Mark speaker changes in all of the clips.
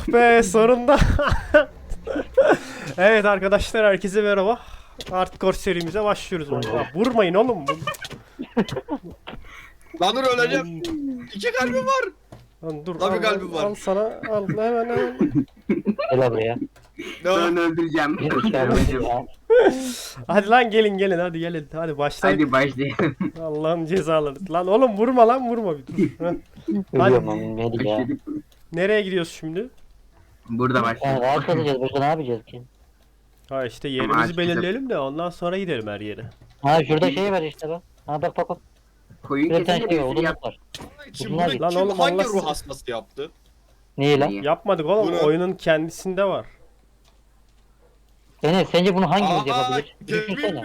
Speaker 1: Oh be sonunda. Evet arkadaşlar herkese merhaba. Hardcore serimize başlıyoruz. Ya, vurmayın oğlum.
Speaker 2: Lan dur öleceğim. İki kalbim var.
Speaker 1: Lan dur
Speaker 2: Tabii
Speaker 1: al,
Speaker 2: kalbim var.
Speaker 1: al sana al hemen.
Speaker 3: Gel buraya.
Speaker 2: Ne?
Speaker 4: Ben öldüreceğim.
Speaker 3: Bir işaret ya.
Speaker 1: Hadi lan gelin hadi gelin. Hadi başlayalım.
Speaker 4: Hadi başlayalım.
Speaker 1: Allah'ın cezaları. Lan oğlum vurma bir dur. Heh.
Speaker 3: Ölüyorum ben. Hadi ya.
Speaker 1: Nereye gidiyoruz şimdi?
Speaker 4: Burada
Speaker 3: Yani
Speaker 4: başlayalım.
Speaker 3: rahat edeceğiz. Başka ne yapacağız ki?
Speaker 1: Ha işte
Speaker 4: Ama
Speaker 1: yerimizi
Speaker 4: açıkçası-
Speaker 1: belirleyelim de ondan sonra gidelim her yere.
Speaker 3: Ha şurada şey var işte bak. Ha bak.
Speaker 4: Koyun
Speaker 3: Bir tane
Speaker 4: kesince
Speaker 3: şey var.
Speaker 4: bir sürü yap.
Speaker 3: Odunluk var.
Speaker 2: Kim,
Speaker 3: Bunlar-
Speaker 2: bunu
Speaker 1: Lan
Speaker 2: kim
Speaker 1: oğlum,
Speaker 2: hangi
Speaker 1: Allah
Speaker 2: ruh
Speaker 1: sizi-
Speaker 2: hastası yaptı?
Speaker 3: Niye lan?
Speaker 4: Niye?
Speaker 1: Yapmadık oğlum.
Speaker 2: Bunu-
Speaker 1: Oyunun kendisinde var.
Speaker 3: Enes sence bunu hangimiz
Speaker 2: Aa,
Speaker 3: yapabilir?
Speaker 2: Kevin.
Speaker 3: Düşünsene.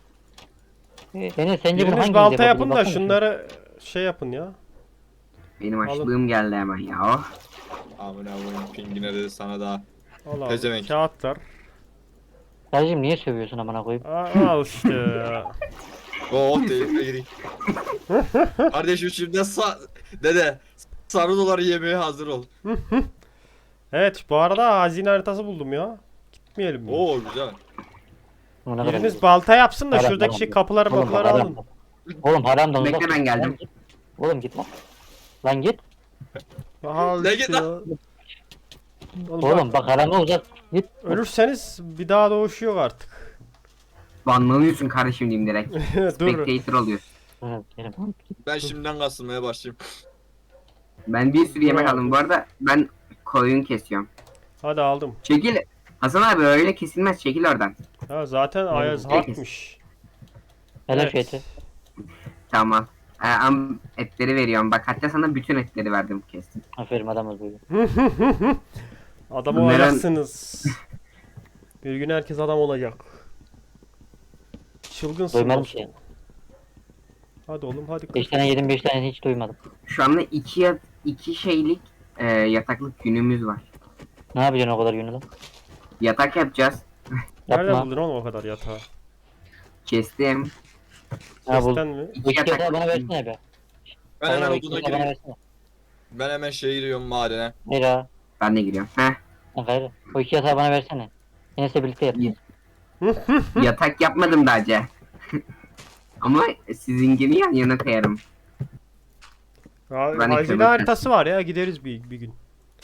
Speaker 3: Enes sence bunu
Speaker 1: Biriniz
Speaker 3: hangimiz
Speaker 1: balta
Speaker 3: yapabilir?
Speaker 1: yapın da
Speaker 3: Baksana
Speaker 1: şunları şey yapın ya.
Speaker 4: Benim açlığım geldi hemen ya. Oh.
Speaker 2: Amına koyayım pingine dedi sana da.
Speaker 1: Al
Speaker 2: Pezevenk.
Speaker 1: kağıtlar.
Speaker 3: Kardeşim niye sövüyorsun amına koyayım?
Speaker 1: Al işte ya.
Speaker 2: Oh tehlikeye gireyim. Kardeşim şimdi dede sarı doları yemeye hazır ol.
Speaker 1: Evet bu arada hazine haritası buldum ya. Gitmeyelim mi?
Speaker 2: Oo güzel.
Speaker 3: Amına koyayım.
Speaker 1: Biriniz balta yapsın da
Speaker 3: Haram,
Speaker 1: şuradaki
Speaker 3: haram.
Speaker 1: şey kapıları
Speaker 3: Oğlum,
Speaker 1: mapları
Speaker 3: haram.
Speaker 1: alın.
Speaker 3: Oğlum haram da uzak.
Speaker 4: Bekle, ben geldim.
Speaker 3: Lan git. Oğlum git lan. Lan git.
Speaker 1: Al
Speaker 2: Ne
Speaker 1: işte
Speaker 2: git
Speaker 1: ya.
Speaker 2: lan?
Speaker 3: Oğlum bak harama uzak. Git.
Speaker 1: Ölürseniz bir daha doğuş yok artık.
Speaker 4: Banlanıyorsun kardeşim diyeyim direkt.
Speaker 1: Dur.
Speaker 4: Spectator oluyorsun.
Speaker 3: Evet, benim.
Speaker 2: Ben şimdiden kasılmaya başlayayım.
Speaker 4: Ben bir sürü yemek
Speaker 1: Dur
Speaker 4: aldım.
Speaker 1: abi.
Speaker 4: Bu arada ben koyun kesiyorum.
Speaker 1: Hadi aldım.
Speaker 4: Çekil. Hasan abi öyle kesilmez. Çekil oradan.
Speaker 1: Ha zaten Ayaz
Speaker 4: Peki.
Speaker 1: harpmiş.
Speaker 3: Helal
Speaker 1: Evet.
Speaker 3: şeyti.
Speaker 4: Tamam. Etleri veriyorum. Bak hatta sana bütün etleri verdim kestim.
Speaker 3: Aferin adamız böyle.
Speaker 1: Adam
Speaker 4: Neren-
Speaker 1: olacaksınız. Bir gün herkes adam olacak. Çılgınsın.
Speaker 3: Doymadım
Speaker 1: dostum.
Speaker 3: ki.
Speaker 1: Hadi oğlum hadi.
Speaker 3: 5 tane yedim 5 tane hiç doymadım.
Speaker 4: Şu anda iki şeylik yataklık günümüz var.
Speaker 3: Ne yapacaksın o kadar günü lan?
Speaker 4: Yatak yapacağız.
Speaker 1: Nerede
Speaker 3: Yapma.
Speaker 1: buldun oğlum o kadar yatağı?
Speaker 4: Kestim.
Speaker 3: Ha, bu-
Speaker 1: Sesten mi?
Speaker 3: Bu iki yatağı bana versene be.
Speaker 2: Ben
Speaker 3: Hayır,
Speaker 2: hemen
Speaker 3: o iki
Speaker 2: oduna
Speaker 3: yatağı bana
Speaker 2: gireyim.
Speaker 3: versene.
Speaker 2: Ben hemen şeye giriyorum madene.
Speaker 3: Hayır ha.
Speaker 4: Ben de giriyorum. Heh.
Speaker 3: Ha, gayrı. O iki yatağı bana versene. Enes'le birlikte yatacağız.
Speaker 4: Yatak yapmadım daha önce. Ama sizinkini yan yana koyarım. Ben
Speaker 1: Hazine
Speaker 4: eklemek
Speaker 1: haritası var ya gideriz bir gün.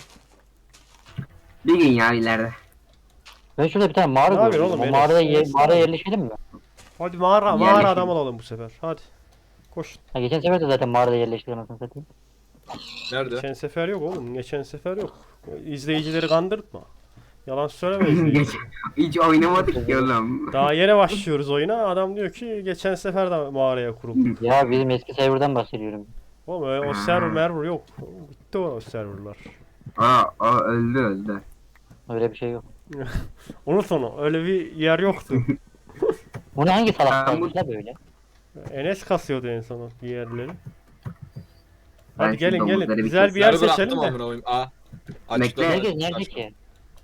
Speaker 4: Bir gün ya ileride.
Speaker 3: Ben şurada bir tane mağara
Speaker 1: Ne yapıyorsun
Speaker 3: gördüm.
Speaker 1: oğlum,
Speaker 3: O mağarada
Speaker 1: Enes?
Speaker 3: mağaraya yerleşelim mi?
Speaker 1: Hadi mağara
Speaker 4: Yerleşelim.
Speaker 1: adam olalım bu sefer. Hadi. Koş.
Speaker 3: Ha, geçen sefer de zaten mağarada yerleştirelim anasını satayım.
Speaker 2: Nerede?
Speaker 1: Geçen sefer yok oğlum. Geçen sefer yok. İzleyicileri kandırtma. Yalan söyleme izleyici.
Speaker 4: Hiç oynamadık ki oğlum.
Speaker 1: Daha yeni başlıyoruz oyuna. Adam diyor ki geçen sefer de mağaraya kurulduk.
Speaker 3: Ya bizim eski serverdan bahsediyorum.
Speaker 1: Oğlum o server merver yok. Bitti o serverlar.
Speaker 4: O öldü.
Speaker 3: Öyle bir şey yok.
Speaker 1: Unut onu. Öyle bir yer yoktu.
Speaker 3: Bunu hangi salak
Speaker 4: Ben
Speaker 3: kalmış la böyle?
Speaker 1: Enes kasıyordu en son bir yerleri.
Speaker 4: Ben
Speaker 1: Hadi
Speaker 4: şu
Speaker 1: gelin
Speaker 4: domuzları bir
Speaker 1: Güzel bir yer
Speaker 2: Server
Speaker 1: seçelim
Speaker 2: attım
Speaker 1: de.
Speaker 2: amına koyayım. Aa.
Speaker 4: Bekle.
Speaker 2: Açıkladı.
Speaker 3: Herkes nerede ki?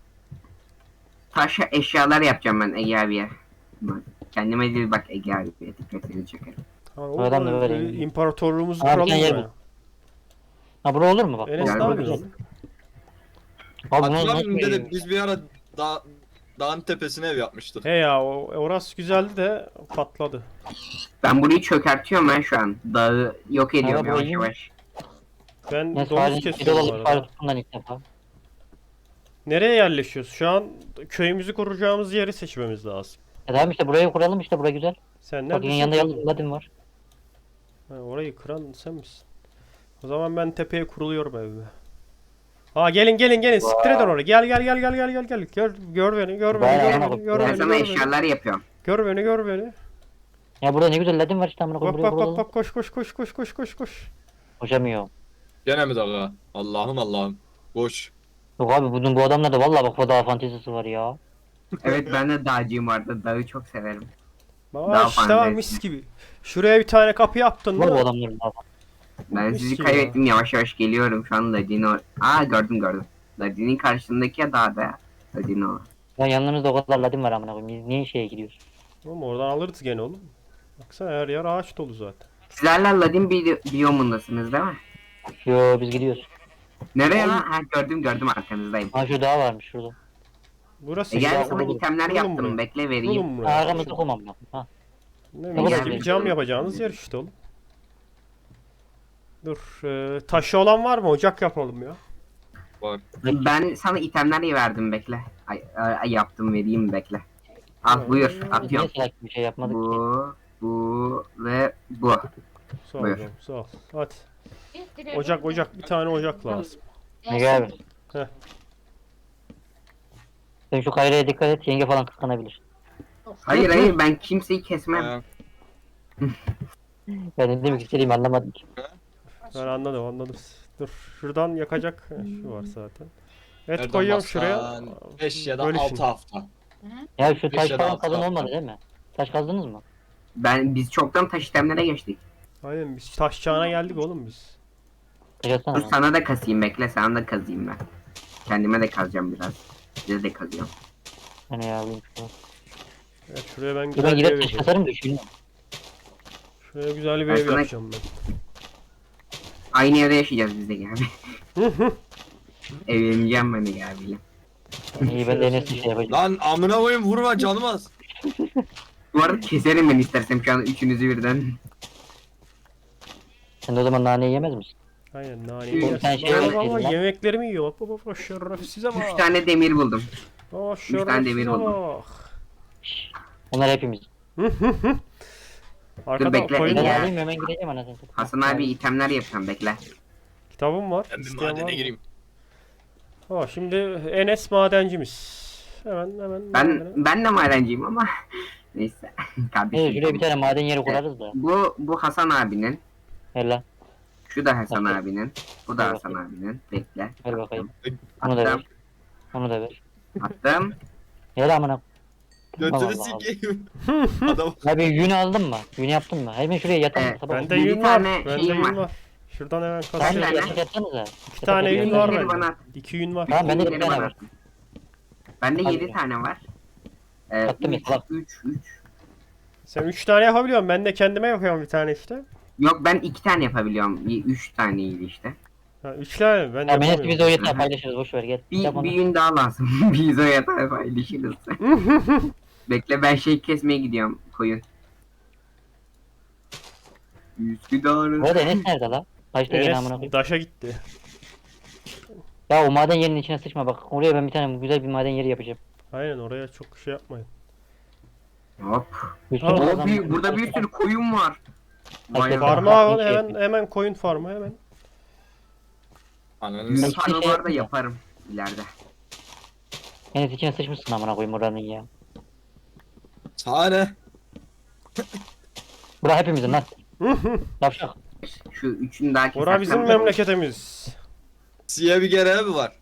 Speaker 4: Taş eşyalar yapacağım ben Ege abiye. Bak, kendime değil bak Ege abiye dikkatini çekerim.
Speaker 1: Ha,
Speaker 3: Adam da böyle yani.
Speaker 1: imparatorluğumuzu
Speaker 3: Abi
Speaker 1: kuralım
Speaker 3: sen yer
Speaker 1: ya.
Speaker 3: bul. Ha bura olur mu bak?
Speaker 1: Enes
Speaker 4: Gel
Speaker 1: ne
Speaker 4: bakayım.
Speaker 1: yapıyorsun?
Speaker 3: Abi bunu
Speaker 2: Hatırlamıyor
Speaker 3: nasıl
Speaker 2: musun dede
Speaker 3: veriyorsun?
Speaker 2: biz bir ara dağın tepesine ev yapmıştık.
Speaker 1: He ya orası güzeldi de patladı.
Speaker 4: Ben burayı çökertiyorum ben şu an. Dağı yok ediyorum
Speaker 3: Abi,
Speaker 4: yavaş
Speaker 3: iyi.
Speaker 4: yavaş.
Speaker 1: Ben
Speaker 3: Enes
Speaker 1: domuz
Speaker 3: halin bir
Speaker 1: kesiyorum bu
Speaker 3: dolar
Speaker 1: arada.
Speaker 3: para tuttundan ilk defa.
Speaker 1: Nereye yerleşiyoruz? Şu an köyümüzü kuracağımız yeri seçmemiz lazım.
Speaker 3: E tamam işte burayı kuralım işte bura güzel.
Speaker 1: Sen
Speaker 3: Bak
Speaker 1: neredesin?
Speaker 3: yanında yalnız Latin var.
Speaker 1: Ha, orayı kıran sen misin? O zaman ben tepeye kuruluyorum evime. Ha gelin siktir edin oraya. Gel. Gör beni
Speaker 4: Ben sana eşyalar yapıyorum.
Speaker 1: Gör beni.
Speaker 3: Ya burada ne güzel Latin var işte amına
Speaker 1: Bak
Speaker 3: koyayım buraya kuralım.
Speaker 1: bak koş.
Speaker 3: Koşamıyor.
Speaker 2: Gene mi dağa? Allah'ım. Boş.
Speaker 3: Yok abi bu adamlarda vallahi bak bu daha fantezisi var ya.
Speaker 4: Evet ben de dağcıyım vardı. Dağı çok severim.
Speaker 1: Bak
Speaker 4: Daha
Speaker 1: işte
Speaker 4: fazla
Speaker 1: var mis gibi. Şuraya bir tane kapı yaptın
Speaker 3: Var bu
Speaker 1: mı?
Speaker 3: adamların daha
Speaker 4: Ben
Speaker 1: Mis
Speaker 4: sizi
Speaker 1: gibi
Speaker 4: kaybettim yavaş yavaş geliyorum şu an Ladino. Gördüm. Ladin'in karşısındaki ya dağda. Ladino.
Speaker 3: Ya yanlarınızda o kadar Latin var amına koyayım. Biz niye şeye gidiyoruz?
Speaker 1: Oğlum oradan alırız gene oğlum. Baksana her yer ağaç dolu zaten.
Speaker 4: Sizlerle Ladin biyomundasınız değil mi?
Speaker 3: Yo biz gidiyoruz.
Speaker 4: Nereye lan? Ha, gördüm arkanızdayım.
Speaker 3: Ha şu dağ varmış şurada.
Speaker 1: Burası
Speaker 4: Gel
Speaker 1: işte.
Speaker 4: sana
Speaker 3: kurulur.
Speaker 4: itemler
Speaker 1: Kurulun
Speaker 4: yaptım.
Speaker 1: buraya.
Speaker 4: Bekle vereyim.
Speaker 1: Kurulun buraya.
Speaker 3: Arkamızda kumam bak. Ha.
Speaker 1: Ne
Speaker 3: Gel,
Speaker 1: mis
Speaker 3: gel,
Speaker 1: gibi
Speaker 4: gel.
Speaker 1: cam yapacağınız yer işte oğlum. Dur. Taşı olan var mı? Ocak yapalım ya.
Speaker 2: Var.
Speaker 4: Ben sana itemler verdim bekle. Yaptım vereyim bekle. Al buyur
Speaker 3: Niye
Speaker 4: atıyorum.
Speaker 3: salak bir şey yapmadık ki?
Speaker 4: Bu ve bu.
Speaker 1: Sağ ol
Speaker 4: Buyur.
Speaker 1: canım, sağ ol. Hadi. Ocak. Bir tane ocak lazım.
Speaker 3: Ne abi?
Speaker 1: Heh.
Speaker 3: Sen şu kayraya dikkat et, yenge falan kıskanabilir.
Speaker 4: Hayır ben kimseyi kesmem.
Speaker 3: Ben ne demek istediğimi anlamadım ki.
Speaker 1: Ben anladım. Dur. Şuradan yakacak. Şu var zaten. Et
Speaker 2: Nereden
Speaker 1: koyuyorum
Speaker 2: baksan
Speaker 1: şuraya.
Speaker 2: 5 ya da
Speaker 1: Bölüşün.
Speaker 2: 6 hafta.
Speaker 3: Ya şu taş
Speaker 2: Beş ya da
Speaker 3: falan
Speaker 2: altı
Speaker 3: kazın
Speaker 2: hafta.
Speaker 3: olmadı değil mi? Taş kazdınız mı?
Speaker 4: Biz çoktan taş itemlere geçtik.
Speaker 1: Aynen biz taş çağına geldik oğlum biz.
Speaker 3: Taş atsana
Speaker 4: Dur
Speaker 3: bana.
Speaker 4: sana da kasayım bekle sana da kazayım ben. Kendime de kazacağım biraz. Size de kazıyorum.
Speaker 3: Hani ya alayım şunu.
Speaker 1: Evet, şuraya ben
Speaker 3: Dur
Speaker 1: güzel
Speaker 3: ben
Speaker 1: bir ev
Speaker 3: gider taş
Speaker 1: yapacağım.
Speaker 3: kasarım da şunu.
Speaker 1: Şuraya güzel bir
Speaker 4: Ben
Speaker 1: ev
Speaker 4: sana-
Speaker 1: yapacağım ben.
Speaker 4: Aynı evde yaşayacağız biz de Gabi. Evleneceğim ben de Gabi'yle.
Speaker 3: İyi ben de en eski şey yapacağım.
Speaker 2: Lan amına koyayım vurma canım az.
Speaker 4: Bu arada keserim ben istersem şu an üçünüzü birden.
Speaker 3: Sen de o zaman naneyi yemez misin?
Speaker 1: Aynen naneyi
Speaker 4: Bir
Speaker 1: yersin.
Speaker 3: tane şey
Speaker 1: Bak,
Speaker 3: yeseydin
Speaker 1: bak,
Speaker 3: lan.
Speaker 1: yemeklerimi yiyor. Bak şerefsize bak.
Speaker 4: 3 tane demir buldum.
Speaker 1: Aa
Speaker 4: tane demir
Speaker 1: şerefsize
Speaker 4: buldum.
Speaker 1: bak.
Speaker 3: Onlar hepimiz.
Speaker 1: Arkada
Speaker 4: bekle,
Speaker 1: koyun
Speaker 3: Ben
Speaker 4: Ege.
Speaker 1: var.
Speaker 3: alayım hemen gideceğim anasını satayım.
Speaker 4: Hasan abi itemler yapacağım bekle.
Speaker 1: Kitabım var.
Speaker 2: Ben bir
Speaker 1: İsteyen var
Speaker 2: madene
Speaker 1: mı?
Speaker 2: gireyim.
Speaker 1: Aa, şimdi Enes madencimiz. Hemen
Speaker 4: Ben de madenciyim ama neyse kardeşim.
Speaker 3: Evet şuraya bir tane maden yeri kurarız da.
Speaker 4: Bu Hasan abinin.
Speaker 3: Ver lan.
Speaker 4: Şu da Hasan
Speaker 3: Bakayım.
Speaker 4: abinin. Bu da
Speaker 3: Ver
Speaker 4: Hasan
Speaker 3: bakayım.
Speaker 4: abinin. Bekle.
Speaker 3: Ver bakayım. Onu da
Speaker 4: Attım.
Speaker 3: ver. Onu da ver.
Speaker 4: Attım.
Speaker 3: Ver amına.
Speaker 2: Götünü
Speaker 3: Allah Allah.
Speaker 2: sikeyim. Adam
Speaker 3: Abi yün aldın mı? Yün yaptın mı? Hemen şuraya yatalım.
Speaker 4: Evet,
Speaker 3: Sabah
Speaker 1: Bende
Speaker 4: Bir
Speaker 1: yün var.
Speaker 4: tane
Speaker 1: Bende
Speaker 4: şeyim
Speaker 1: yün
Speaker 4: var.
Speaker 1: var. Şuradan hemen
Speaker 3: Tamam
Speaker 4: Ben de-
Speaker 1: kasıyorum.
Speaker 3: yatak yatsanıza.
Speaker 1: İki tane yün
Speaker 3: Yatak
Speaker 1: var
Speaker 4: Yünleri
Speaker 1: bende.
Speaker 4: bana at.
Speaker 1: 2 yün var.
Speaker 3: Tamam bende de bir
Speaker 4: Yünleri
Speaker 3: tane
Speaker 4: bana
Speaker 3: var.
Speaker 4: at. Bende
Speaker 3: Hadi
Speaker 4: 7
Speaker 3: ya.
Speaker 4: tane var.
Speaker 3: Attım
Speaker 4: 3
Speaker 3: bak.
Speaker 4: 3
Speaker 1: Sen 3 tane yapabiliyorsun. Ben de kendime yapıyorum bir tane işte.
Speaker 4: Yok ben 2 tane yapabiliyorum. 3 taneydi işte.
Speaker 1: Ha, 3 tane ben
Speaker 3: Tamam en eski biz de o
Speaker 1: yapamıyorum.
Speaker 3: yatağı paylaşırız boş ver gel. Yap onu.
Speaker 4: Bir gün daha lazım. Biz o yatağı paylaşırız. Bekle ben şey kesmeye gidiyorum koyun. Üsküdar'ın.
Speaker 3: Bu arada Enes nerede la? Kaçta gene amına
Speaker 1: Enes
Speaker 3: koyayım.
Speaker 1: daşa gitti.
Speaker 3: Ya o maden yerinin içine sıçma bak. Oraya ben bir tane güzel bir maden yeri yapacağım.
Speaker 1: Aynen oraya çok şey yapmayın.
Speaker 4: Hop.
Speaker 3: Üstüne
Speaker 1: Aa,
Speaker 3: kazan-
Speaker 4: Burada bir sürü koyun var. Vay
Speaker 3: Farm-
Speaker 4: be.
Speaker 1: Farmı
Speaker 3: Farm-
Speaker 1: al
Speaker 3: şey
Speaker 1: hemen koyun farmı hemen.
Speaker 2: ananı
Speaker 4: Büyük
Speaker 3: Şey
Speaker 4: farmı
Speaker 3: şey
Speaker 4: var da
Speaker 3: yapayım.
Speaker 4: yaparım ileride.
Speaker 3: Enes içine sıçmışsın amına koyayım oranın ya.
Speaker 2: Sahne.
Speaker 3: Bura hepimizin lan. Yavşak.
Speaker 4: Şu üçünü daha kesersem.
Speaker 1: Ora bizim memleketimiz.
Speaker 2: Siye bir kere mi var?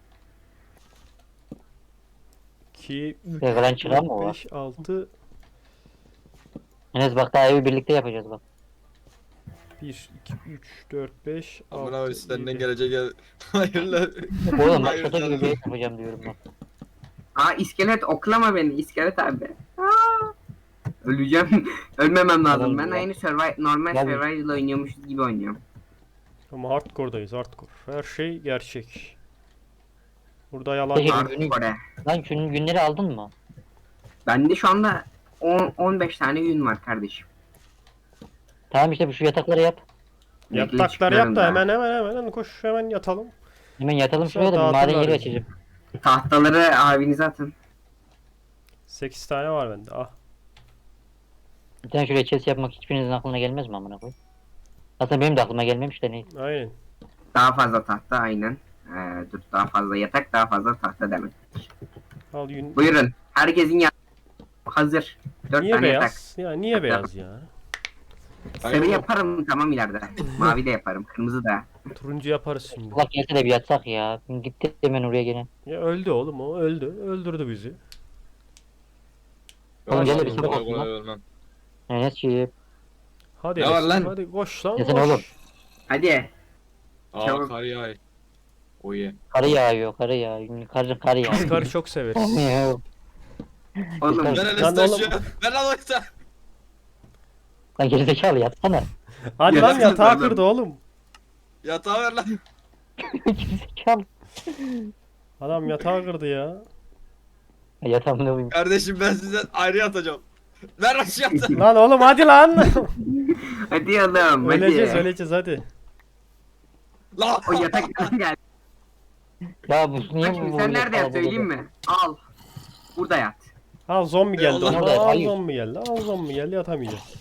Speaker 1: 2, 3,
Speaker 3: Yakalan çıkan mı o var?
Speaker 1: 5, 6,
Speaker 3: Enes bak daha evi birlikte yapacağız bak.
Speaker 1: 1, 2, 3, 4, 5,
Speaker 2: Amına
Speaker 1: 6,
Speaker 2: koyayım senden
Speaker 1: 7.
Speaker 2: gelecek gel. Hayırlı.
Speaker 3: Oğlum bak
Speaker 2: Hayır,
Speaker 3: şato gibi
Speaker 2: canım.
Speaker 3: bir ev yapacağım diyorum bak.
Speaker 4: Aa iskelet oklama beni iskelet abi. Aa, öleceğim. Ölmemem lazım.
Speaker 3: Tamam
Speaker 4: Ben
Speaker 3: ya.
Speaker 4: aynı normal
Speaker 3: Gel bir-
Speaker 4: survival oynuyormuşuz gibi oynuyorum.
Speaker 1: Ama hardcore'dayız hardcore. Her şey gerçek. Burada yalan
Speaker 3: Peki.
Speaker 1: yok.
Speaker 4: Hardcore.
Speaker 3: Lan şunun günleri aldın mı?
Speaker 4: Bende şu anda 15 tane yün var kardeşim.
Speaker 3: Tamam işte bu şu yatakları yap.
Speaker 4: Bekle,
Speaker 1: Yatakları yap
Speaker 4: çıkıyorum
Speaker 1: da
Speaker 4: daha.
Speaker 1: hemen koş hemen yatalım.
Speaker 3: Hemen yatalım
Speaker 1: Sonra
Speaker 3: şuraya da bir maden
Speaker 1: dağıtırlar
Speaker 3: yeri
Speaker 1: bizi.
Speaker 3: açacağım.
Speaker 4: Tahtaları abinize atın.
Speaker 1: 8 tane var bende. Ah.
Speaker 3: Bir tane şuraya chest yapmak hiçbirinizin aklına gelmez mi amına koyayım? Aslında benim de aklıma gelmemiş de neyse.
Speaker 1: Aynen.
Speaker 4: Daha fazla tahta aynen. Dur daha fazla yatak daha fazla tahta demek.
Speaker 1: Al yün.
Speaker 4: Buyurun. Herkesin hazır. 4
Speaker 1: Niye
Speaker 4: tane yatak.
Speaker 1: beyaz? Ya niye beyaz ya?
Speaker 4: Sarı yaparım tamam ileride. Mavi de yaparım. Kırmızı da.
Speaker 1: Turuncu yaparız şimdi.
Speaker 3: Allah gelse de bir yatsak ya. Gitti hemen oraya gene.
Speaker 1: Ya öldü oğlum o öldü. Öldürdü bizi.
Speaker 3: Oğlum gel de bir
Speaker 2: Kolay
Speaker 3: sabah
Speaker 2: kolay
Speaker 3: olsun
Speaker 2: ölmem.
Speaker 3: Enes'ciğim.
Speaker 1: Hadi
Speaker 2: Ne var
Speaker 1: Enes,
Speaker 2: lan?
Speaker 1: hadi koş lan
Speaker 3: Yesene
Speaker 1: koş.
Speaker 3: oğlum.
Speaker 4: Hadi.
Speaker 2: Aa
Speaker 4: Çabuk.
Speaker 2: kar yağıyor. Oye.
Speaker 3: Karı yağıyor karı yağıyor. Kar
Speaker 1: Biz
Speaker 3: yağıyor.
Speaker 1: karı çok severiz.
Speaker 4: Oğlum
Speaker 3: Lan
Speaker 2: Ben
Speaker 1: Lan
Speaker 2: Enes
Speaker 1: oğlum.
Speaker 2: taşıyor. Ver lan oysa.
Speaker 3: Lan gerizekalı yatsana.
Speaker 1: Hadi
Speaker 2: Ya
Speaker 1: lan
Speaker 2: nasıl
Speaker 1: yatağı
Speaker 4: oğlum?
Speaker 1: kırdı oğlum.
Speaker 2: Yatağı ver lan.
Speaker 3: Gerizekalı.
Speaker 1: Adam yatağı kırdı ya.
Speaker 3: Yatağımda uyuyayım.
Speaker 2: Kardeşim ben sizden ayrı yatacağım. Ver aşağı yat.
Speaker 1: Lan oğlum hadi lan.
Speaker 4: Hadi oğlum
Speaker 1: öleceğiz
Speaker 4: hadi.
Speaker 1: öleceğiz hadi.
Speaker 2: La.
Speaker 4: O yataktan gel.
Speaker 3: Ya bu niye
Speaker 4: Kaçım
Speaker 3: bu
Speaker 4: sen nerede yat söyleyeyim mi? Al. Burada yat.
Speaker 1: Al zombi geldi.
Speaker 2: Allah
Speaker 1: Al,
Speaker 3: Allah,
Speaker 1: al
Speaker 3: hayır.
Speaker 1: zombi geldi. Al zombi geldi yatamayacağız.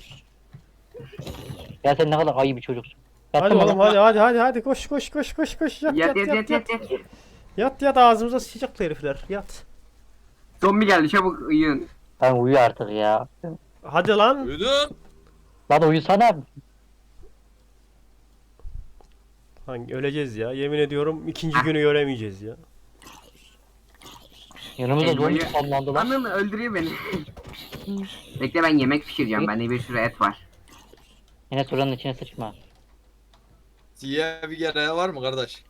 Speaker 3: Ya sen ne kadar ayı bir çocuksun.
Speaker 1: Hadi
Speaker 3: Yattın mı
Speaker 1: oğlum
Speaker 3: lan?
Speaker 1: hadi koş yat
Speaker 4: Yat.
Speaker 1: yat ağzımıza sıçacak herifler yat.
Speaker 4: Zombi geldi çabuk uyuyun.
Speaker 3: Lan uyu artık ya.
Speaker 1: Hadi lan.
Speaker 2: Duydun?
Speaker 3: Lan uyusana.
Speaker 1: Hangi öleceğiz ya yemin ediyorum ikinci günü göremeyeceğiz ya.
Speaker 3: Yanımızda zombi
Speaker 4: Elmayı-
Speaker 3: spamlandı lan.
Speaker 4: Anıl öldürüyor beni. Bekle ben yemek pişireceğim. Bende bir sürü et var.
Speaker 3: Yine soranın içine sıçma.
Speaker 2: Siyah bir gene var mı kardeş?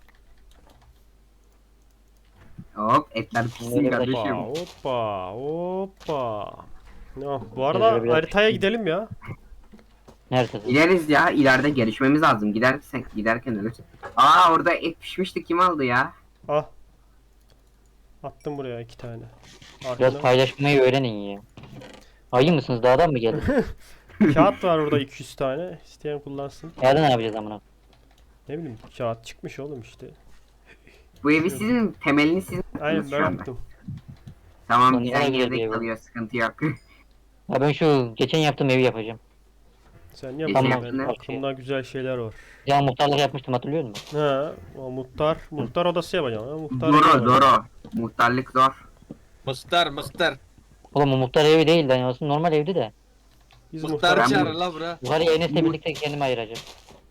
Speaker 4: Hop etler pişsin
Speaker 3: Nereye
Speaker 4: kardeşim.
Speaker 1: Hoppa. Ya, bu arada
Speaker 3: Biraz
Speaker 1: haritaya gidelim ya.
Speaker 3: Nerede?
Speaker 4: İleriz ya ileride gelişmemiz lazım. Giderken ölürüz. Aa orada et pişmişti kim aldı ya?
Speaker 1: Ah. Attım buraya 2 tane.
Speaker 3: Biraz
Speaker 1: Arkada.
Speaker 3: paylaşmayı öğrenin ya. Ayı mısınız? Dağdan mı geldin?
Speaker 1: Kağıt var orada 200 tane. İsteyen kullansın.
Speaker 3: Yarın ne yapacağız amına?
Speaker 1: Ne bileyim kağıt çıkmış oğlum işte.
Speaker 4: Bu evi sizin temelini sizin
Speaker 1: Aynen
Speaker 4: şu
Speaker 1: ben
Speaker 4: anda.
Speaker 1: yaptım.
Speaker 4: Tamam
Speaker 3: Sonra
Speaker 4: güzel
Speaker 3: nereye
Speaker 4: yerde
Speaker 3: gidiyor bu?
Speaker 4: kalıyor sıkıntı yok.
Speaker 3: Ya ben şu geçen yaptığım evi yapacağım.
Speaker 1: Sen
Speaker 4: Tamam,
Speaker 1: yapma ben
Speaker 4: tamam.
Speaker 1: aklımda güzel şeyler var.
Speaker 3: Ya muhtarlık yapmıştım hatırlıyor musun?
Speaker 1: Ha, o muhtar odası yapacağım. Ha, muhtar evi
Speaker 4: Zor
Speaker 1: yapacağım.
Speaker 4: zor o. Muhtarlık zor.
Speaker 2: Mıstır.
Speaker 3: Oğlum o muhtar evi değil lan aslında normal evdi de.
Speaker 1: Biz
Speaker 2: Mıhtar
Speaker 1: muhtar
Speaker 2: çağırın la bura.
Speaker 3: Yukarıya Enes'le birlikte kendimi ayıracağım.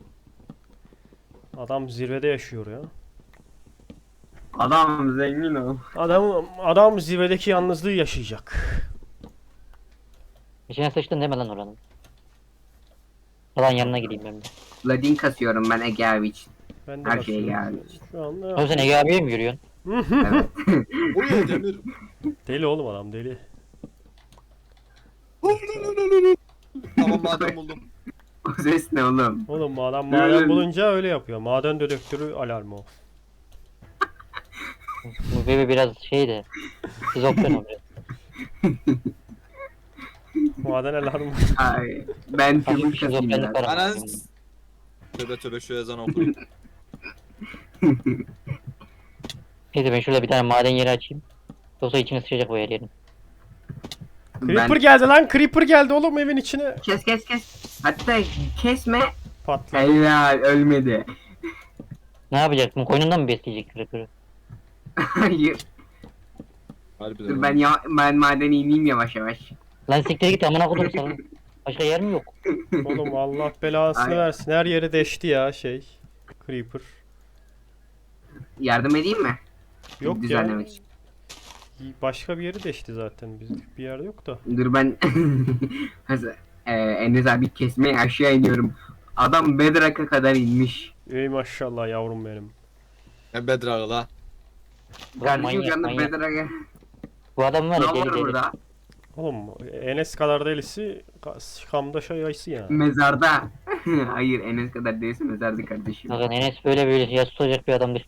Speaker 1: adam zirvede yaşıyor ya.
Speaker 4: Adam zengin o.
Speaker 1: Adam zirvedeki yalnızlığı yaşayacak.
Speaker 3: İçine sıçtın deme lan oranın. Falan yanına gideyim ben de.
Speaker 4: Ladin kasıyorum ben Ege abi için.
Speaker 1: Ben de
Speaker 4: Her şeye
Speaker 1: bakıyorum.
Speaker 4: geldi.
Speaker 1: Şu anda
Speaker 3: Oğlum sen Ege abiye mi yürüyorsun?
Speaker 4: Evet.
Speaker 2: Uyuyor Demir.
Speaker 1: deli oğlum adam deli.
Speaker 2: Tamam madem buldum.
Speaker 4: O ses ne oğlum?
Speaker 1: Oğlum adam maden bulunca öyle yapıyor. Maden dedektörü alarmı o.
Speaker 3: Bu bebe biraz şey de. Şizofren o biraz.
Speaker 1: Maden alarmı.
Speaker 4: Ay, ben
Speaker 3: Hafif
Speaker 4: çubuk
Speaker 3: bir
Speaker 4: kasayım
Speaker 3: şizofrenlik
Speaker 4: biraz.
Speaker 3: var.
Speaker 2: Anan. Tövbe şu ezan okuyayım.
Speaker 3: Neyse ben şurada bir tane maden yeri açayım. Yoksa içine sıçacak bu yer yerin.
Speaker 1: Creeper
Speaker 4: Ben...
Speaker 1: geldi lan. Creeper geldi oğlum evin içine.
Speaker 4: Kes. Hatta kesme.
Speaker 1: Patladı.
Speaker 4: Helal ölmedi.
Speaker 3: Ne yapacaksın? Koynundan mı besleyecek kırıkırı?
Speaker 4: Hayır.
Speaker 2: Harbiden.
Speaker 4: Dur ben madene ineyim yavaş yavaş.
Speaker 3: Lan siktir git amına kodum sana. Başka yer mi yok?
Speaker 1: Oğlum Allah belasını
Speaker 4: Ay.
Speaker 1: versin. Her yeri deşti ya şey. Creeper.
Speaker 4: Yardım edeyim mi?
Speaker 1: Yok ya.
Speaker 4: Düzenlemek için.
Speaker 1: Başka bir yeri deşti zaten. Bizlik bir yerde yok da.
Speaker 4: Dur ben Enes abi kesmeye aşağı iniyorum. Adam Bedrock'a kadar inmiş.
Speaker 1: Ey maşallah yavrum benim.
Speaker 2: Ben bedrağı la.
Speaker 4: Kardeşim
Speaker 3: Manyak,
Speaker 4: canım
Speaker 3: manyak.
Speaker 4: Bedrock'a.
Speaker 3: Bu adam var
Speaker 4: Ne
Speaker 3: ya deli
Speaker 4: var
Speaker 3: deli.
Speaker 4: burada?
Speaker 1: Oğlum Enes kadar delisi Kamda şayası yani.
Speaker 4: Mezarda. Hayır Enes kadar değilse mezarda kardeşim.
Speaker 3: Bakın Enes böyle ya tutacak bir adamdır.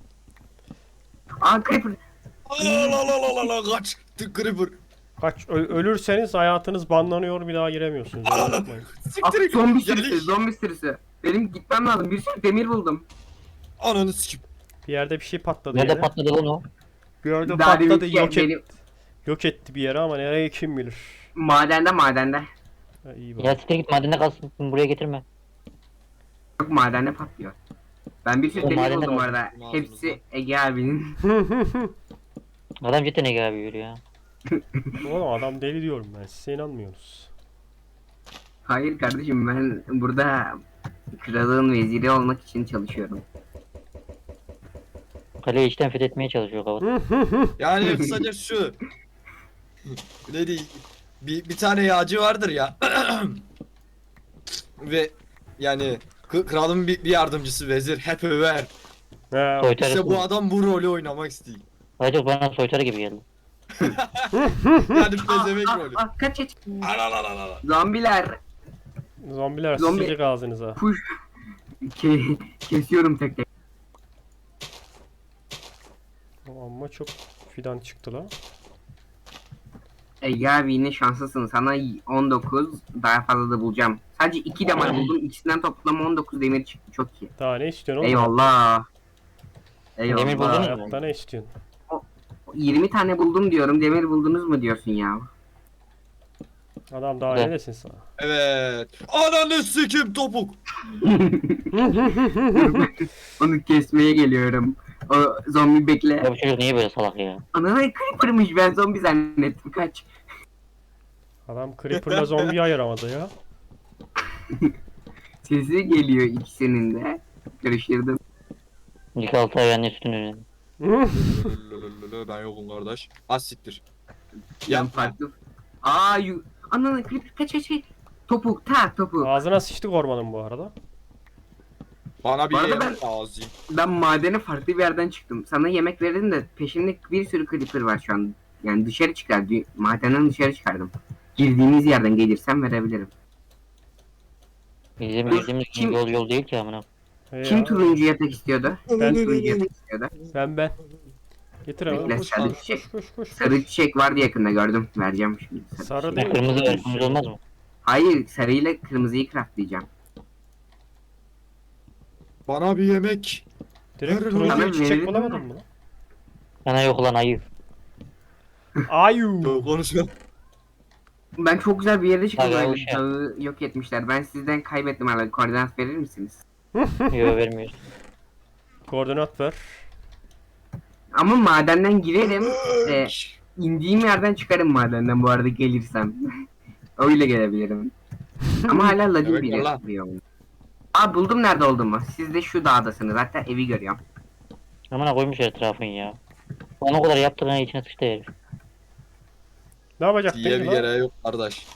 Speaker 4: Aa Creeper.
Speaker 2: La kaç. Creeper.
Speaker 1: Kaç ölürseniz hayatınız banlanıyor bir daha giremiyorsunuz. Öyle yapmayın.
Speaker 4: Aa,
Speaker 2: Siktir.
Speaker 4: zombi sürüsü,
Speaker 2: Geliş.
Speaker 4: zombi sürüsü. Benim gitmem lazım. Bir sürü demir buldum.
Speaker 2: Ananı sikim.
Speaker 1: Bir yerde bir şey patladı
Speaker 3: Nerede
Speaker 1: yere.
Speaker 3: patladı lan o?
Speaker 1: Bir yerde
Speaker 4: Daha
Speaker 1: patladı
Speaker 4: deminki benim
Speaker 1: yok etti bir yere ama nereye kim bilir.
Speaker 4: madende.
Speaker 1: Ha, iyi bak.
Speaker 3: Ya siktir git madende kalsın buraya getirme.
Speaker 4: Yok madende patlıyor. Ben bir sürü
Speaker 3: O
Speaker 4: demir
Speaker 3: madende
Speaker 4: buldum bu
Speaker 3: var.
Speaker 4: arada. Hepsi Ege abinin.
Speaker 3: Adam cidden Ege abi yürüyor ya.
Speaker 1: Oğlum adam deli diyorum ben size inanmıyorsunuz.
Speaker 4: Hayır kardeşim ben burada kralın veziri olmak için çalışıyorum.
Speaker 3: Kaleyi içten fethetmeye çalışıyor kavat.
Speaker 2: Yani kısaca şu. Ne diyeyim? Bir tane yağcı vardır ya. Ve yani kralın bir yardımcısı vezir hep över.
Speaker 1: Ha,
Speaker 3: Soytarı.
Speaker 2: İşte bu adam bu rolü oynamak istiyor.
Speaker 3: Ayrıca bana soytarı gibi geldi.
Speaker 2: Yani pezevenk rolü.
Speaker 4: Kaç.
Speaker 2: Alalalala.
Speaker 4: Zombiler.
Speaker 1: zombiler
Speaker 4: Zombi-
Speaker 1: sıçacak ağzınıza.
Speaker 4: Push. Kesiyorum tek tek.
Speaker 1: Ama çok fidan çıktı lan.
Speaker 4: Ege abi yine şanslısın. Sana 19 daha fazla da bulacağım. Sadece 2 damar buldum. İkisinden toplam 19 demir çıktı. Çok iyi.
Speaker 1: Daha ne istiyorsun oğlum?
Speaker 4: Eyvallah.
Speaker 3: Demir buldunuz mu?
Speaker 1: Hayatta ne istiyorsun?
Speaker 4: 20 tane buldum diyorum. Demir buldunuz mu diyorsun ya?
Speaker 1: Adam daha
Speaker 3: Güzel.
Speaker 1: ne desin sana?
Speaker 2: Evet. Ananı sikim topuk.
Speaker 4: Onu kesmeye geliyorum. O zombi bekle.
Speaker 3: Ya bu çocuk niye böyle salak ya?
Speaker 4: Ana creeper'mış, ben zombi zannettim. Kaç.
Speaker 1: Adam Creeper'la zombiyi ayıramadı ya.
Speaker 4: Sesi geliyor ikisinin de. Karıştırdım.
Speaker 3: İlk 6 ay anne sütünü.
Speaker 2: Ben yokum kardeş. Az siktir.
Speaker 4: Yan
Speaker 2: Yapma.
Speaker 4: farklı. Ananı creeper kaç. Topuk topuk.
Speaker 1: Ağzına sıçtık ormanın bu arada.
Speaker 2: Bana bir
Speaker 4: Bu arada
Speaker 2: yemek lazım.
Speaker 4: Ben madene farklı bir yerden çıktım. Sana yemek verdim de peşimde bir sürü creeper var şu an. Yani dışarı çıkardı. Madenden dışarı çıkardım. Girdiğiniz yerden gelirsem verebilirim.
Speaker 3: Bizim
Speaker 4: Dur,
Speaker 3: girdiğimiz
Speaker 4: kim-
Speaker 3: yol değil ki amına.
Speaker 4: Kim
Speaker 1: Ya,
Speaker 4: turuncu yatak istiyordu?
Speaker 1: Ben-
Speaker 4: Kim turuncu yatak istiyordu?
Speaker 1: ben. Getir hemen.
Speaker 4: Bekle,
Speaker 1: Koş,
Speaker 4: sarı
Speaker 1: koş,
Speaker 4: çiçek.
Speaker 1: koş, koş, koş.
Speaker 4: Sarı çiçek vardı yakında, gördüm. Vereceğim şimdi.
Speaker 1: Sarı
Speaker 4: çiçek.
Speaker 1: değil.
Speaker 3: Kırmızı ver, kırmızı olmaz mı?
Speaker 4: Hayır, sarıyla kırmızıyı craftlayacağım.
Speaker 2: Bana bir yemek.
Speaker 1: Direkt
Speaker 2: Sana
Speaker 1: turuncu çiçek
Speaker 4: verelim
Speaker 1: bulamadın
Speaker 4: mi?
Speaker 1: mı lan?
Speaker 3: Sana yok lan ayı.
Speaker 1: Ayu.
Speaker 2: Yok konuşma.
Speaker 4: Ben çok güzel bir yere çıktım.
Speaker 3: Hadi,
Speaker 4: Böyle
Speaker 3: hoş ya.
Speaker 4: dağı yok etmişler. Ben sizden kaybettim hala. Koordinat verir misiniz?
Speaker 3: Yok vermiyoruz.
Speaker 1: Koordinat ver.
Speaker 4: Ama madenden girerim. İndiğim yerden çıkarım madenden bu arada gelirsem. Öyle gelebilirim. Ama hala ladin
Speaker 2: Evet,
Speaker 4: bir
Speaker 2: valla.
Speaker 4: yer. Buldum nerede olduğumu. Siz de şu dağdasınız. Hatta evi görüyorum.
Speaker 3: Amına koymuş etrafın ya. Ona kadar yaptığına içine sıçtı herif.
Speaker 1: Ne yapacaktın
Speaker 2: Diye
Speaker 1: ki
Speaker 2: bir
Speaker 1: lan?
Speaker 2: yere yok kardeş.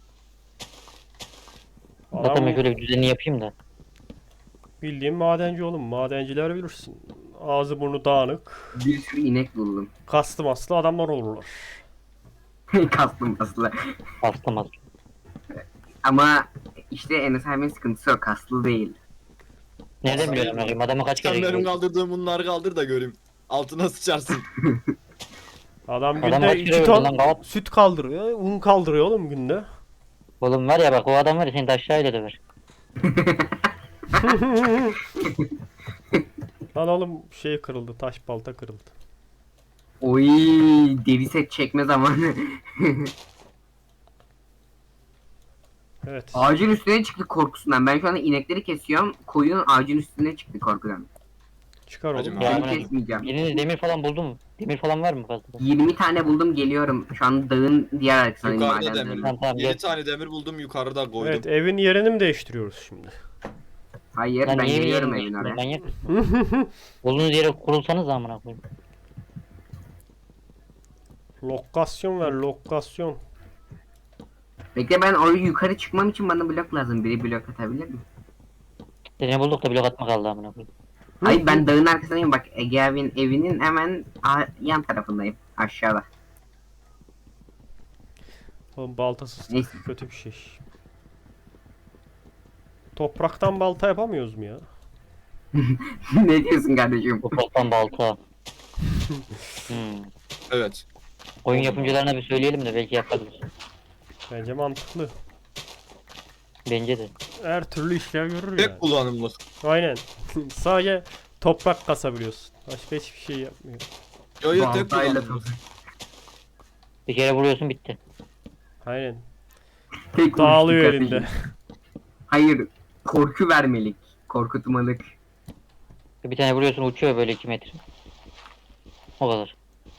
Speaker 3: Zaten ben
Speaker 1: Adam
Speaker 3: şöyle bir düzenini yapayım da.
Speaker 1: bildiğin madenci oğlum. Madenciler bilirsin. Ağzı burnu dağınık.
Speaker 4: Bir sürü inek buldum.
Speaker 1: Kastım aslı adamlar olurlar.
Speaker 4: Kastım aslında.
Speaker 3: Bastım az.
Speaker 4: Ama işte Enes abimin sıkıntısı o. Kaslı değil.
Speaker 3: Nereden biliyorsun bakayım? Adamı kaç kere
Speaker 2: Sen benim
Speaker 3: görüyorsun?
Speaker 2: kaldırdığım bunları kaldır da göreyim. Altına sıçarsın.
Speaker 1: Adam
Speaker 3: Adam
Speaker 1: günde
Speaker 3: kaç
Speaker 1: 2
Speaker 3: kilo
Speaker 1: ton
Speaker 3: verdi lan Gavat?
Speaker 1: süt kaldırıyor. Un kaldırıyor oğlum günde.
Speaker 3: Oğlum var ya bak o adam var ya seni de aşağıyla döver.
Speaker 1: Lan oğlum şey kırıldı. Taş balta kırıldı.
Speaker 4: Oy, deri set çekme zamanı.
Speaker 1: Evet.
Speaker 4: Ağacın üstüne çıktı korkusundan. Ben şu anda inekleri kesiyorum. Koyun ağacın üstüne çıktı korkudan.
Speaker 1: Çıkar
Speaker 2: Hacım
Speaker 1: oğlum.
Speaker 3: Ya
Speaker 4: Seni
Speaker 3: bana-
Speaker 4: kesmeyeceğim.
Speaker 3: Biriniz demir falan buldu mu? Demir falan var mı fazla?
Speaker 4: 20 tane buldum, geliyorum. Şu an dağın diğer arkasındayım
Speaker 2: Yukarıda
Speaker 4: madenlerin.
Speaker 2: demir.
Speaker 3: Tamam, tamam,
Speaker 2: 7
Speaker 3: gel.
Speaker 2: tane demir buldum yukarıda koydum.
Speaker 1: Evet evin yerini mi değiştiriyoruz şimdi?
Speaker 4: Hayır,
Speaker 3: Lan
Speaker 4: ben
Speaker 3: niye
Speaker 4: geliyorum
Speaker 3: bir
Speaker 4: evin oraya.
Speaker 3: manyak mısın? Bulduğunuz yere kurulsanız amına koyayım.
Speaker 1: Lokasyon ver lokasyon.
Speaker 4: Bekle, ben oraya yukarı çıkmam için bana blok lazım. Biri blok atabilir mi?
Speaker 3: Seni bulduk da blok atma kaldı amına koyayım.
Speaker 4: Hayır, ben dağın arkasındayım. Bak, Ege abinin evinin hemen yan tarafındayım. Aşağıda.
Speaker 1: Oğlum baltasız
Speaker 4: Neyse.
Speaker 1: kötü bir şey. Topraktan balta yapamıyoruz mu ya?
Speaker 4: Ne diyorsun kardeşim?
Speaker 3: Topraktan balta. Hmm.
Speaker 2: Evet.
Speaker 3: Oyun yapımcılarına bir söyleyelim de belki yaparız.
Speaker 1: Bence mantıklı.
Speaker 3: Bence de.
Speaker 1: Her türlü işlev görür yani.
Speaker 2: Tek kullanımlık.
Speaker 1: Aynen. Sadece toprak kasabiliyorsun. Başka hiçbir şey yapmıyor.
Speaker 2: Yo yo tek
Speaker 4: Baltayla
Speaker 2: kullanımlık.
Speaker 3: Bir kere vuruyorsun bitti.
Speaker 1: Aynen.
Speaker 4: Tek
Speaker 1: Dağılıyor
Speaker 4: vuruşluk
Speaker 1: elinde.
Speaker 4: kardeşim. Hayır, korku vermelik. Korkutmalık.
Speaker 3: Bir tane vuruyorsun uçuyor böyle 2 metre. O kadar.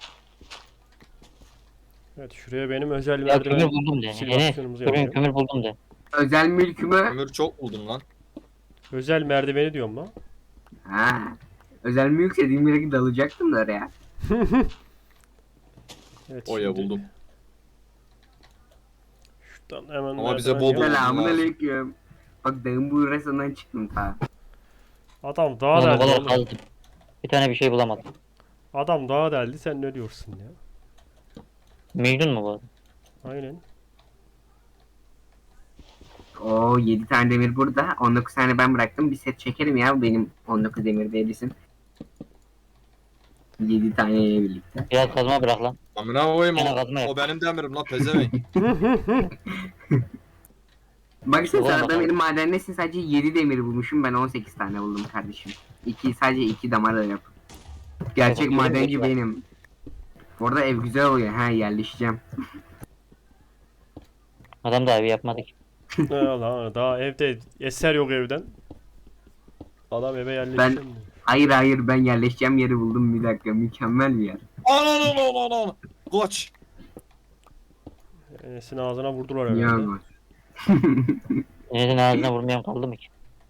Speaker 1: Evet şuraya benim özel
Speaker 3: Ya
Speaker 1: merdiven
Speaker 3: kömür buldum de. Enes
Speaker 1: simülasyonumuzu
Speaker 3: kömür,
Speaker 1: yapıyorum.
Speaker 3: kömür buldum de.
Speaker 4: Özel mülkümü...
Speaker 2: Ömür çok buldum lan.
Speaker 1: Özel merdiveni diyorum lan.
Speaker 4: Ha. Özel mülk dediğim yere dalacaktım da oraya.
Speaker 1: Evet
Speaker 2: Oya
Speaker 1: şimdi
Speaker 2: buldum.
Speaker 1: şuradan hemen
Speaker 2: Ama bize
Speaker 1: merdiven
Speaker 2: bol
Speaker 1: yap.
Speaker 2: bol-
Speaker 4: Selamun aleyküm. Bak, dağın bu arasından çıktım ta.
Speaker 1: Adam daha
Speaker 3: Oğlum o
Speaker 1: deldi
Speaker 3: kadar
Speaker 1: oğlum.
Speaker 3: kazdım. Bir tane bir şey bulamadım.
Speaker 1: Adam daha deldi sen ne diyorsun ya?
Speaker 3: Mecnun mu bu adam?
Speaker 1: Aynen.
Speaker 4: Oo, 7 tane demir burada. 19 tane ben bıraktım. Bir set çekerim ya, benim 19 demir değilsin. 7 taneyle birlikte.
Speaker 3: Biraz kazma bırak lan.
Speaker 2: Amına koyayım
Speaker 3: Gene kazma yap.
Speaker 2: o benim demirim lan pezevenk.
Speaker 4: Baksana
Speaker 3: Ulan
Speaker 4: sana da
Speaker 3: bakalım.
Speaker 4: benim madendesin sadece 7 demir bulmuşum, ben 18 tane buldum kardeşim. Sadece 2 damar yap. Gerçek
Speaker 3: Bakalım,
Speaker 4: madenci
Speaker 3: bakalım.
Speaker 4: benim. Orada ev güzel oluyor, ha yerleşeceğim.
Speaker 3: Adam da evi yapmadık.
Speaker 1: Lan daha evde eser yok evden. Adam eve yerleşeceğim diyor.
Speaker 4: Hayır ben yerleşeceğim yeri buldum, bir dakika, mükemmel bir yer.
Speaker 2: Ana. Koç.
Speaker 1: Enes'in ağzına vurdular
Speaker 4: Ya
Speaker 1: herhalde.
Speaker 4: bak.
Speaker 3: Enes'in ağzına vurmayan kaldı mı ki?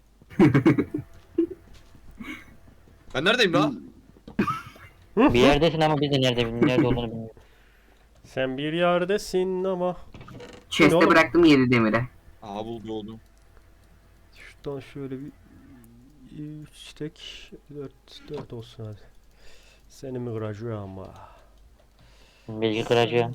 Speaker 2: Ben neredeyim lan?
Speaker 3: Bir yerdesin ama biz de nerede olduğunu bilmiyoruz.
Speaker 1: Sen bir yerdesin ama.
Speaker 4: Chest'e
Speaker 1: oğlum?
Speaker 4: bıraktım 7 demire.
Speaker 2: Aha buldu oldum.
Speaker 1: Şuradan şöyle bir 3 tek 4 olsun hadi. Seni mi kıracağım ama.
Speaker 3: Bilgi kıracı.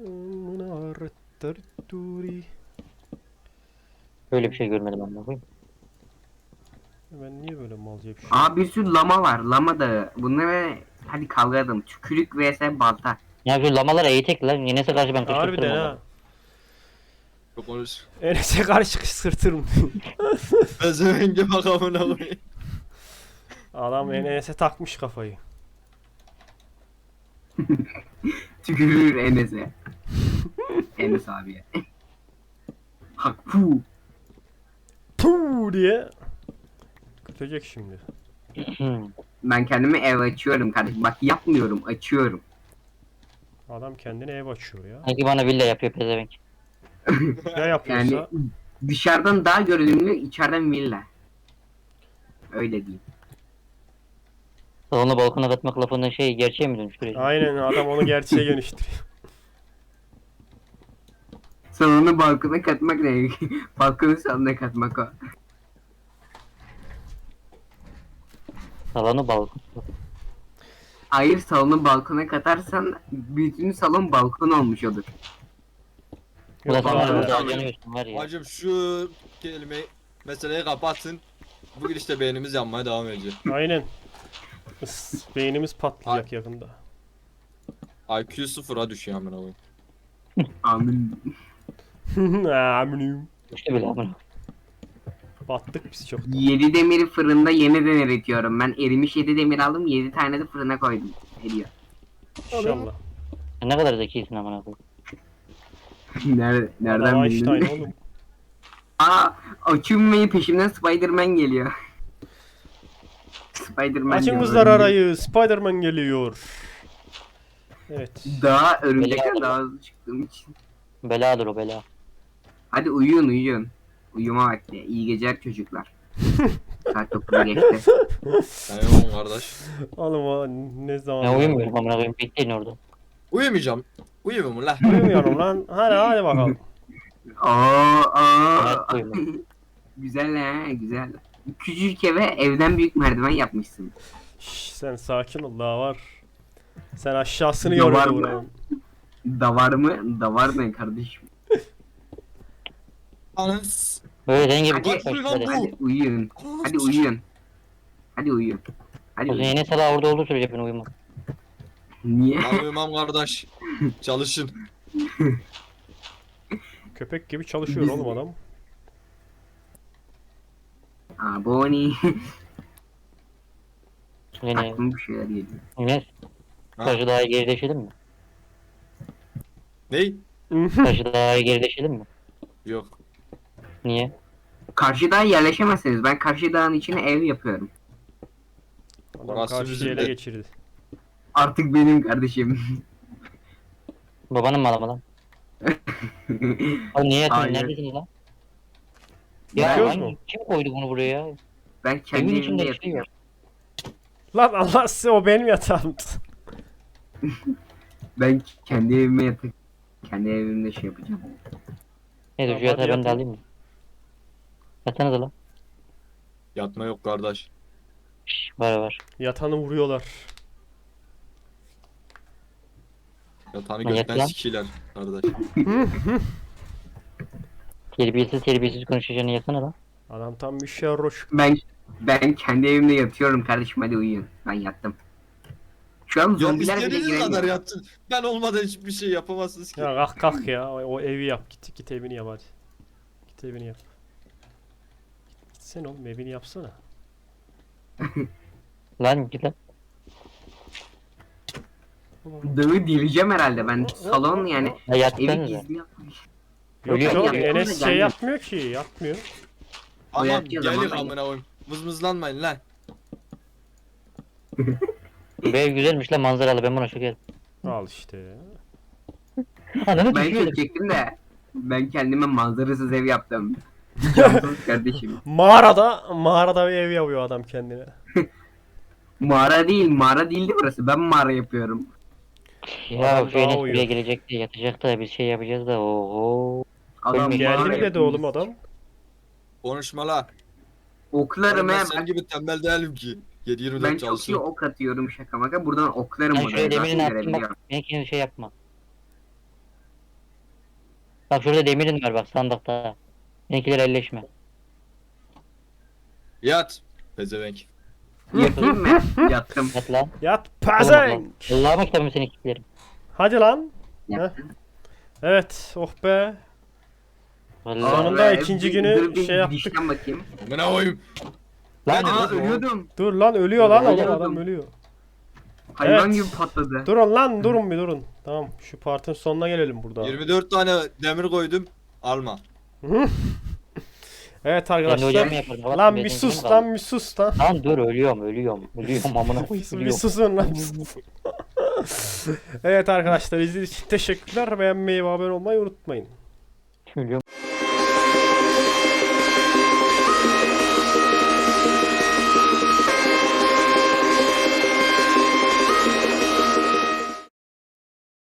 Speaker 3: Böyle bir şey görmedim amına koyayım.
Speaker 1: Ben niye böyle malca bir şey?
Speaker 4: Aa, bir sürü lama var, lama da. Bunlara hadi kavga edelim. Tükürük vs balta.
Speaker 3: Ya şu lamalar eğitek lan. Enes'e karşı ben
Speaker 1: Harbiden
Speaker 3: kışkırtırım
Speaker 1: ha.
Speaker 3: onları.
Speaker 2: Çok konuş.
Speaker 1: Enes'e karşı kışkırtırım.
Speaker 2: Pezevenge bak amına koyayım.
Speaker 1: Adam Enes'e takmış kafayı.
Speaker 4: Tükürür Enes'e. Enes abiye. Hakfu.
Speaker 1: Puuu diye. Kötecek şimdi.
Speaker 4: Ben kendime ev açıyorum kardeşim. Bak yapmıyorum, açıyorum.
Speaker 1: Adam kendine ev açıyor ya.
Speaker 3: Sanki bana villa yapıyor pezevenk.
Speaker 1: Ya yapıyorsa?
Speaker 4: Yani dışarıdan daha görünümlü, içeriden villa. Öyle diyeyim.
Speaker 3: Salonu balkona katmak lafından şey gerçeğe mi dönüştürüyor?
Speaker 1: Aynen adam onu gerçeğe dönüştürüyor.
Speaker 4: Salonu balkona katmak ne? Balkonu salona katmak o.
Speaker 3: Salonu balkon.
Speaker 4: Hayır, salonu balkona katarsan bütün salon balkon olmuş olur.
Speaker 3: Bu da
Speaker 1: Yok
Speaker 3: sana
Speaker 1: abi.
Speaker 3: burada
Speaker 2: Tamam.
Speaker 3: harcanıyorsun var ya.
Speaker 2: Hacım şu kelimeyi meseleyi kapatsın. Bugün işte beynimiz yanmaya devam edecek.
Speaker 1: Aynen. Beynimiz patlayacak yakında.
Speaker 2: IQ sıfıra düşüyor amına koyayım.
Speaker 4: Amin.
Speaker 1: Aminim.
Speaker 3: Düştü bile amına.
Speaker 1: Battık biz çok.
Speaker 4: 7 demiri fırında yeniden eritiyorum. Ben erimiş 7 demir aldım, 7 tane de fırına koydum. Eriyor.
Speaker 1: İnşallah.
Speaker 3: Sen ne kadar zekisin amına koyayım.
Speaker 4: Nereden
Speaker 1: Adam
Speaker 4: bildin?
Speaker 1: Einstein oğlum.
Speaker 4: Aa, açılmayı peşimden Spider-Man geliyor. Spider-Man
Speaker 1: Açın
Speaker 4: diyor,
Speaker 1: kızlar
Speaker 4: örümcek.
Speaker 1: arayı. Spider-Man geliyor. Evet.
Speaker 4: Daha örümcekten
Speaker 3: Bela-
Speaker 4: daha hızlı çıktığım için.
Speaker 3: Beladır o bela.
Speaker 4: Hadi uyuyun. Uyuma vakti. İyi geceler çocuklar. Saat 9'u geçti.
Speaker 2: Eyvallah kardeş.
Speaker 1: Oğlum o ne zaman?
Speaker 3: Ya uyumuyorum amına koyayım. Bekleyin orada.
Speaker 2: Uyumayacağım. Uyumuyorum lan.
Speaker 1: Uyumuyorum lan. Hadi bakalım.
Speaker 3: Evet, uyuma.
Speaker 4: Güzel ha, güzel. Küçücük eve evden büyük merdiven yapmışsın.
Speaker 1: Şş, sen sakin ol daha var. Sen aşağısını
Speaker 4: Ya var
Speaker 1: görmedin
Speaker 4: mı?
Speaker 1: buranın.
Speaker 4: Davar mı? Davar ne kardeşim?
Speaker 2: Anız.
Speaker 3: Böyle senin gibi
Speaker 4: Hadi,
Speaker 3: tek başına
Speaker 2: lan
Speaker 3: değil.
Speaker 2: bu.
Speaker 4: Hadi uyuyun. Hadi uyuyun. Hadi uyuyun. Hadi
Speaker 3: O zaman
Speaker 4: uyuyun.
Speaker 3: Enes hala orada olduğu sürece ben uyumam.
Speaker 4: Niye?
Speaker 2: Ben uyumam kardeş. Çalışın.
Speaker 1: Köpek gibi çalışıyor
Speaker 4: Biz-
Speaker 1: oğlum adam.
Speaker 4: Aa, Bonnie.
Speaker 3: Yine
Speaker 4: Aklıma bir şeyler geliyor.
Speaker 3: Enes.
Speaker 2: Ha?
Speaker 3: Taşı daha gerileşelim mi?
Speaker 2: Ney?
Speaker 3: Taşı daha gerileşelim mi?
Speaker 2: Yok.
Speaker 3: Niye?
Speaker 4: Karşı dağa yerleşemezsiniz. Ben karşı dağın içine ev yapıyorum.
Speaker 1: Adam
Speaker 2: Orası
Speaker 1: karşıyı
Speaker 2: bizim
Speaker 1: ele
Speaker 2: de.
Speaker 1: geçirdi.
Speaker 4: Artık benim kardeşim.
Speaker 3: Babanın malı mı lan? Oğlum niye yatıyorsun?
Speaker 4: Hayır.
Speaker 3: Neredesiniz lan? Ya
Speaker 1: Yatıyoruz
Speaker 3: lan
Speaker 1: mu?
Speaker 3: kim koydu bunu buraya ya?
Speaker 4: Ben kendi
Speaker 3: Evin
Speaker 4: evimde
Speaker 3: içinde bir şey
Speaker 4: yatıyorum.
Speaker 3: var.
Speaker 1: Lan Allah size o benim yatağımdı.
Speaker 4: Ben kendi evime yatıp kendi evimde şey yapacağım.
Speaker 3: Neyse
Speaker 1: Tamam,
Speaker 3: şu yatağı
Speaker 1: hadi
Speaker 3: ben de
Speaker 1: yatın.
Speaker 3: alayım mı? Yatsanıza lan.
Speaker 2: Yatma yok kardeş.
Speaker 3: Şşş var.
Speaker 1: Yatanı vuruyorlar.
Speaker 2: Yatağını
Speaker 3: Lan yat
Speaker 2: gökten
Speaker 3: lan.
Speaker 2: sikiler kardeş.
Speaker 3: Terbiyesiz konuşacağını yatsana lan.
Speaker 1: Adam tam bir şerroş.
Speaker 4: Ben kendi evimde yatıyorum kardeşim, hadi uyuyun. Ben yattım. Şu an
Speaker 2: Ya
Speaker 4: zombiler bile
Speaker 2: istediğiniz kadar
Speaker 4: giremiyor.
Speaker 2: yatsın. Ben olmadan hiçbir şey yapamazsınız ki.
Speaker 1: Ya kalk kalk ya. O evi yap. Git evini yap hadi. Git evini yap. Gitsene oğlum evini yapsana.
Speaker 3: Lan git lan.
Speaker 4: Dağı direceğim herhalde ben. Salon yani.
Speaker 3: Ya
Speaker 4: Evi
Speaker 3: yatsanıza.
Speaker 4: gizli yapmış.
Speaker 1: Yok
Speaker 3: Ölüyor.
Speaker 1: yok
Speaker 4: Yapıyor da
Speaker 1: Enes şey
Speaker 4: gelmiyor.
Speaker 1: yapmıyor ki. Yapmıyor.
Speaker 2: Aman
Speaker 4: yatıyor zaman
Speaker 2: gelin
Speaker 4: ben-
Speaker 2: amına koyayım. Mızmızlanmayın lan.
Speaker 3: Bu ev güzelmiş lan manzaralı ben buna şokerim.
Speaker 1: Al işte ya.
Speaker 3: Ananı
Speaker 4: Ben
Speaker 3: düşüyorum.
Speaker 4: çekecektim de. Ben kendime manzarasız ev yaptım. Cansız kardeşim.
Speaker 1: Mağarada bir ev yapıyor adam kendine.
Speaker 4: Mağara değil, mağara değildi burası. Ben mağara yapıyorum.
Speaker 3: Ya
Speaker 1: Adam
Speaker 3: şu Enes
Speaker 1: daha
Speaker 3: buraya
Speaker 1: uyuyor.
Speaker 3: gelecek de yatacak da bir şey yapacağız da oho.
Speaker 4: Adam
Speaker 3: Geldi
Speaker 1: Geldi
Speaker 4: mağara
Speaker 1: mi dedi
Speaker 4: yapıyor.
Speaker 1: oğlum adam?
Speaker 2: Konuşma la.
Speaker 4: Oklarım
Speaker 2: Ben
Speaker 4: he.
Speaker 2: senin gibi tembel değilim ki. 7-24
Speaker 4: Ben çok iyi
Speaker 2: çalışıyorum.
Speaker 4: ok atıyorum şaka maka. Buradan oklarım
Speaker 3: Ben
Speaker 4: oraya.
Speaker 3: şöyle demirini
Speaker 4: Zaten
Speaker 3: attım
Speaker 4: görebiliyorum.
Speaker 3: bak. Ben kendi şey yapma. Bak şurada demirin var bak sandıkta. Benimkiler elleşme.
Speaker 2: Yat. Pezevenk.
Speaker 4: Yatayım mı? Yattım.
Speaker 3: Yat lan.
Speaker 1: Yat
Speaker 3: Oğlum,
Speaker 1: pezevenk.
Speaker 3: Allah'ıma kitabım seni kilitlerim.
Speaker 1: Hadi lan.
Speaker 4: Yattım.
Speaker 1: Evet oh be.
Speaker 3: Vallahi.
Speaker 1: Sonunda
Speaker 4: Be,
Speaker 1: ikinci
Speaker 4: bir-
Speaker 1: günü
Speaker 4: dur bir
Speaker 1: şey yaptık.
Speaker 4: dişten bakayım.
Speaker 2: Amına koyayım.
Speaker 3: Lan
Speaker 2: Ben de-
Speaker 4: Aa ölüyordum.
Speaker 1: Dur lan ölüyor lan
Speaker 4: Ölüyordum.
Speaker 1: adam ölüyor.
Speaker 4: Hayvan
Speaker 1: Evet.
Speaker 4: gibi patladı.
Speaker 1: Durun lan durun bir durun. Tamam şu partın sonuna gelelim burada.
Speaker 2: 24 tane demir koydum. Alma.
Speaker 1: Evet
Speaker 3: Ben de ocağımı
Speaker 1: arkadaşlar.
Speaker 3: yaparım.
Speaker 1: Lan
Speaker 3: Allah'ım,
Speaker 1: bir
Speaker 3: benim
Speaker 1: sus
Speaker 3: canım
Speaker 1: lan
Speaker 3: kaldı.
Speaker 1: bir sus lan.
Speaker 3: Lan dur ölüyorum amına koyayım
Speaker 1: Bir
Speaker 3: ölüyorum.
Speaker 1: susun lan bir susun. Evet arkadaşlar izlediğiniz için teşekkürler. Beğenmeyi ve abone olmayı unutmayın.
Speaker 3: Ölüyorum.